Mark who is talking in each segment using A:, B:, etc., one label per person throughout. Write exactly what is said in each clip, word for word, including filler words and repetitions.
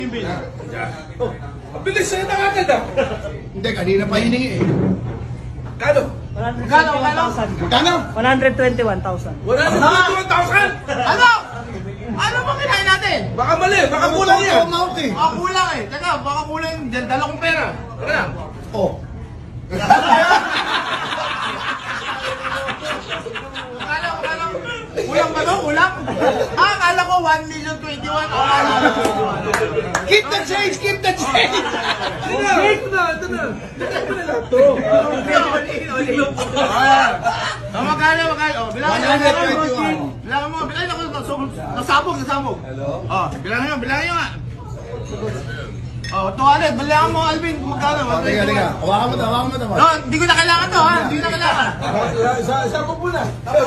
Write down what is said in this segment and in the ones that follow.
A: Oh, ang bilis sa'yo na agad ah.
B: Hindi, kanina pa hiningi eh.
A: Kano?
B: Magkano, magkano? Magkano?
C: one hundred twenty-one thousand.
A: one hundred twenty-one thousand!
B: Ano? Ano ba kinain natin?
A: Baka mali, baka kulang yan.
B: Umawak eh.
D: Baka kulang eh. Teka, baka kulang yung dal- dala kong pera. Teka lang.
B: Oh.
D: Akala ko, akala ko. Kulang ba to? Kulang? Ah, akala ko one million twenty-one. Akala ko.
B: Keep the change, keep the change!
A: Ito na, ito na, ito na. Ito na lang to.
D: Ah, magkano, magkano? Oh, bilangan
B: one
D: mo,
B: hundred
D: bilangan mo.
B: twenty-one.
D: Bilangan mo, bilangan ako. Nasabog, nasabog, nasabog. Hello? Oh, bilangan nyo, bilangan nyo nga. Oh, tuwalet, bilangan mo, Alvin, kung magkano.
B: Oh, teka, teka. Hawakan mo to, hawakan mo to.
D: No, hindi ko na kailangan to, ha? Hindi ko na kailangan.
A: Isa, isa mo muna.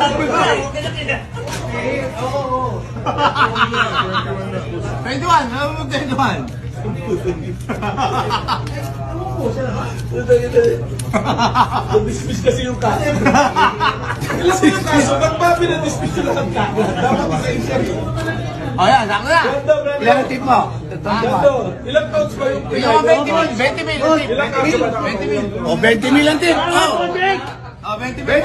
D: twenty-one, alam mo twenty-one.
A: Dismiss kasi yung kaso. Alam mo yung kaso, ba't ba pinadismiss yung lahat ka? Dapat isa isa rin.
D: Oh, yan, sakto na.
A: Ganda, brother.
B: Ilan ang tip mo?
A: Ganda. Ilang pounds ba yung
D: Bigyan mo twenty mil, twenty mil,
A: Ilang kaso ba?
D: twenty mil.
B: Oh, twenty mil ang tip. Oh.
D: Oh, twenty mil.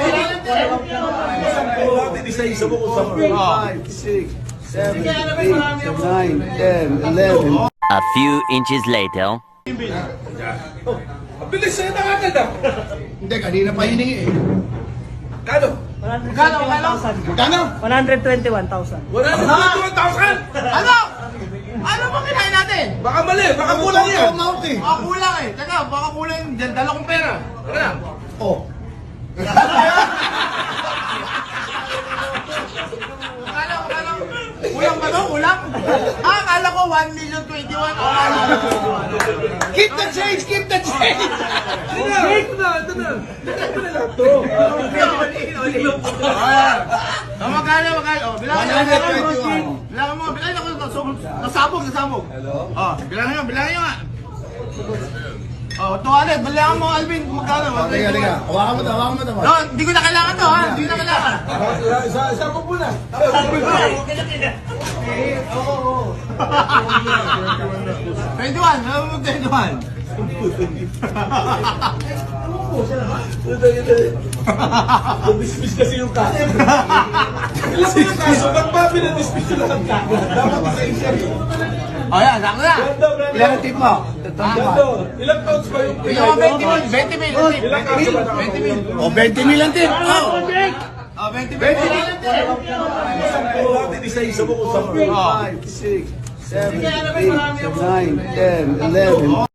A: Natin isa-isa mo kung saan.
B: five, six, seven, eight, nine, ten, eleven.
E: A few inches later.
A: Oh, ang bilis sa'yo na agad ah.
B: Hindi, kanina pa hiningi eh.
A: Kano?
D: Magkano, magkano?
B: Magkano?
C: one hundred twenty-one thousand.
A: one hundred twenty-one thousand!
D: Ano? Ano ba kinain natin?
A: Baka mali, baka kulang yan.
B: Umawak eh.
D: Baka kulang eh. Teka, baka kulang yung dal- dala kong pera. Teka lang.
B: Oh.
D: Akala ko, akala ko. Kulang ba to? Kulang? Ah, akala ko one million twenty-one. Akala ko.
B: Keep the change, keep the change!
A: Ito na, ito na, ito na. Ito na lang to.
D: Oh, magkano, magkano? Oh, bilangan
B: one
D: mo,
B: hundred
D: bilangan mo.
B: twenty-one.
D: Bilangan mo, bilangan ako. Nasabog, nasabog, nasabog. Hello? Oh, bilangan nyo, bilangan nyo nga. Oh, tuwalet, bilangan mo, Alvin, kung magkano.
B: Oh, teka, teka. Hawakan mo to, hawakan mo to.
D: No, hindi ko na kailangan to, ha? Hindi ko na kailangan.
A: Isa, isa mo muna.
D: twenty-one, alam mo twenty-one.
A: Dismiss kasi yung kaso. Alam mo yung kaso, ba't ba pinadismiss yung lahat ka? Dapat isa isa rin.
D: Oh, yan, sakto na.
A: Ganda, brother.
B: Ilan ang tip mo?
A: Ganda. Ilang pounds ba yung
D: Bigyan mo twenty mil, twenty mil.
A: Ilang kaso ba?
D: twenty mil.
B: Oh, twenty mil ang tip. Oh.
D: Oh, twenty mil.
A: Natin isa-isa mo kung saan.
B: five, six, seven, eight, nine, ten, eleven.